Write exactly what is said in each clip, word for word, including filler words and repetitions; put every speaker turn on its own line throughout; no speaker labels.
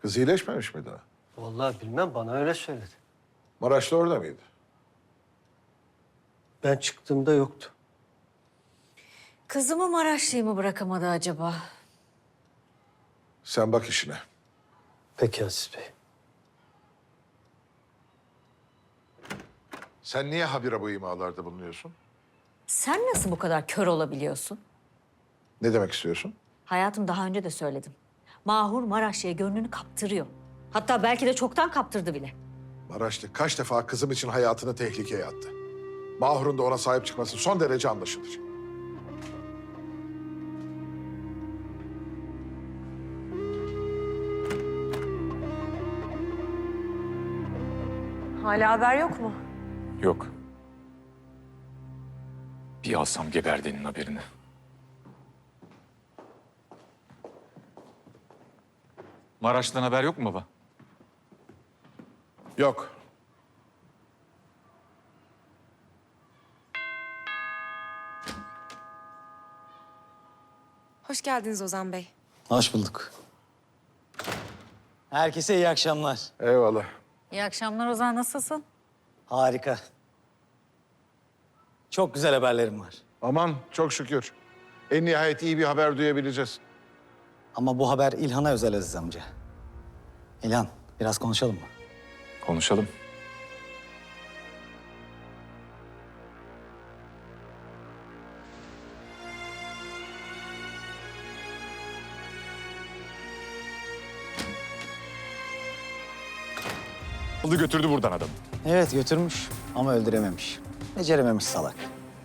Kız iyileşmemiş mi daha?
Vallahi bilmem, bana öyle söyledi.
Maraşlı orada mıydı?
Ben çıktığımda yoktu.
Kızımı Maraşlı'yı mı bırakamadı acaba?
Sen bak işine.
Peki Aziz Bey.
Sen niye habire bu imalarda bulunuyorsun?
Sen nasıl bu kadar kör olabiliyorsun?
Ne demek istiyorsun?
Hayatım, daha önce de söyledim. Mahur Maraşlı'ya gönlünü kaptırıyor. Hatta belki de çoktan kaptırdı bile.
Maraşlı kaç defa kızım için hayatını tehlikeye attı. Mahur'un da ona sahip çıkması son derece anlaşılır.
Hala haber yok mu?
Yok. Bir alsam geberdiğinin haberini. Maraş'tan haber yok mu baba?
Yok.
Hoş geldiniz Ozan Bey.
Hoş bulduk. Herkese iyi akşamlar.
Eyvallah.
İyi akşamlar Ozan, nasılsın?
Harika. Çok güzel haberlerim var.
Aman çok şükür. En nihayet iyi bir haber duyabileceğiz.
Ama bu haber İlhan'a özel Aziz amca. İlhan, biraz konuşalım mı?
Konuşalım. Aldı götürdü buradan adamı.
Evet, götürmüş ama öldürememiş. Becerememiş salak.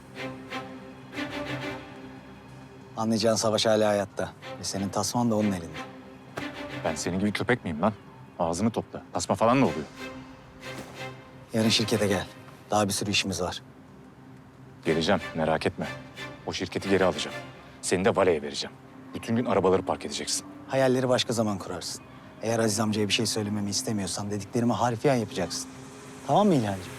Anlayacağın Savaş hala hayatta. Ve senin tasman da onun elinde.
Ben senin gibi köpek miyim lan? Ağzını topla. Tasma falan mı oluyor?
Yarın şirkete gel. Daha bir sürü işimiz var.
Geleceğim, merak etme. O şirketi geri alacağım. Seni de valeye vereceğim. Bütün gün arabaları park edeceksin.
Hayalleri başka zaman kurarsın. Eğer Aziz amcaya bir şey söylememi istemiyorsan dediklerimi harfiyen yapacaksın. Tamam mı İlhancığım?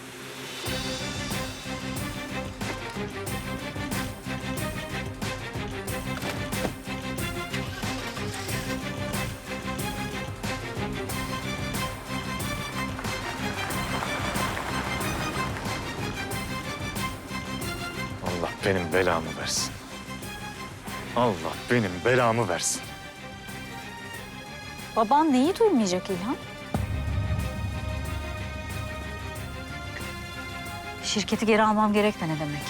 Allah benim belamı versin. Allah benim belamı versin.
Baban neyi duymayacak İlhan? Şirketi geri almam gerek de ne demek?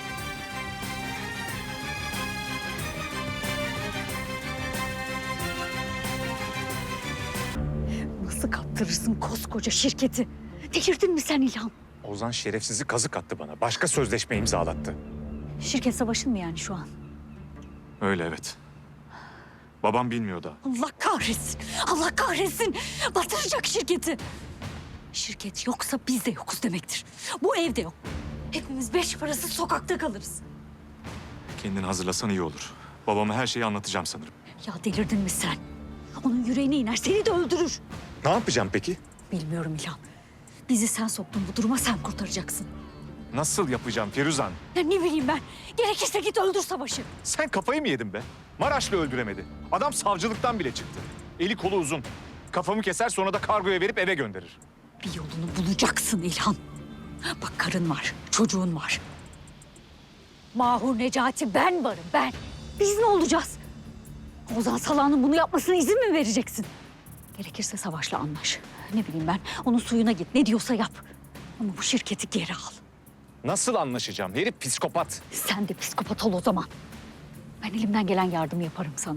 Nasıl kaptırırsın koskoca şirketi? Delirdin mi sen İlhan?
Ozan şerefsizi kazık attı bana. Başka sözleşme imzalattı.
Şirket savaşın mı yani şu an?
Öyle evet. Babam bilmiyor da.
Allah kahretsin! Allah kahretsin! Batıracak şirketi! Şirket yoksa biz de yokuz demektir. Bu evde yok. Hepimiz beş parası sokakta kalırız.
Kendini hazırlasan iyi olur. Babama her şeyi anlatacağım sanırım.
Ya delirdin mi sen? Onun yüreğine iner, seni de öldürür.
Ne yapacağım peki?
Bilmiyorum İlhan. Bizi sen soktun bu duruma, sen kurtaracaksın.
Nasıl yapacağım Firuzan?
Ya ne bileyim ben. Gerekirse git öldür Savaş'ı.
Sen kafayı mı yedin be? Maraşlı öldüremedi. Adam savcılıktan bile çıktı. Eli kolu uzun. Kafamı keser sonra da kargoya verip eve gönderir.
Bir yolunu bulacaksın İlhan. Bak karın var, çocuğun var. Mahur, Necati, ben varım ben. Biz ne olacağız? Ozan Salah'ın bunu yapmasına izin mi vereceksin? Gerekirse Savaş'la anlaş. Ne bileyim ben, onun suyuna git, ne diyorsa yap. Ama bu şirketi geri al.
Nasıl anlaşacağım? Herif psikopat.
Sen de psikopat ol o zaman. Ben elimden gelen yardımı yaparım sana.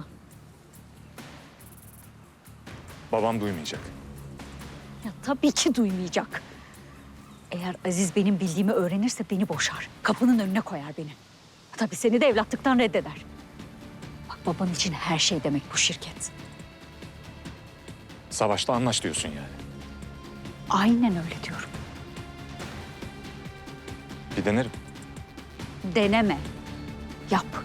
Babam duymayacak.
Ya tabii ki duymayacak. Eğer Aziz benim bildiğimi öğrenirse beni boşar. Kapının önüne koyar beni. Tabii seni de evlatlıktan reddeder. Bak, baban için her şey demek bu şirket.
Savaşla anlaş diyorsun yani.
Aynen öyle diyorum.
Bir denerim.
Deneme. Yap.